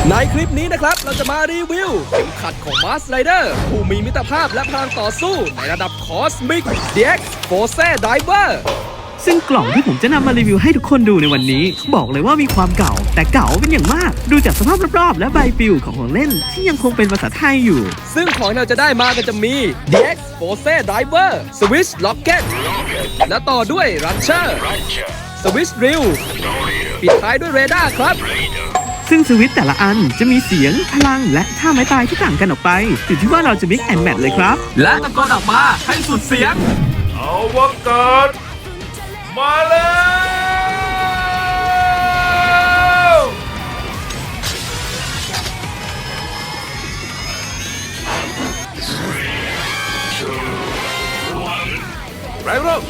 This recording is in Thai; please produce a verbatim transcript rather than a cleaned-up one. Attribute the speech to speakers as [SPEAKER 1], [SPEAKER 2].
[SPEAKER 1] ในคลิปนี้นะครับเราจะมารีวิวเข็มขัดของ Mars Rider ผู้มีมิตรภาพและพลังต่อสู้ในระดับ Cosmic ดี เอ็กซ์ Force Diver
[SPEAKER 2] ซึ่งกล่องที่ผมจะนำมารีวิวให้ทุกคนดูในวันนี้บอกเลยว่ามีความเก่าแต่เก่าเป็นอย่างมากดูจากสภาพรอบๆและใบปลิวของของเล่นที่ยังคงเป็นภาษาไทยอยู่
[SPEAKER 1] ซึ่งของที่เราจะได้มาก็จะมี ดี เอ็กซ์ Force Diver Swiss Rocket และต่อด้วย Rancher Swiss Drill ปิดท้ายด้วย Radar ครับ
[SPEAKER 2] ซึ่งสวิตช์แต่ละอันจะมีเสียงพลังและท่าไม้ตายที่ต่างกันออกไปอยู่ที่ว่าเราจะ mix and match เลยครับ
[SPEAKER 1] และตะโกนออกมาให้สุดเสียง
[SPEAKER 3] อวกาศมาแล้วไรโร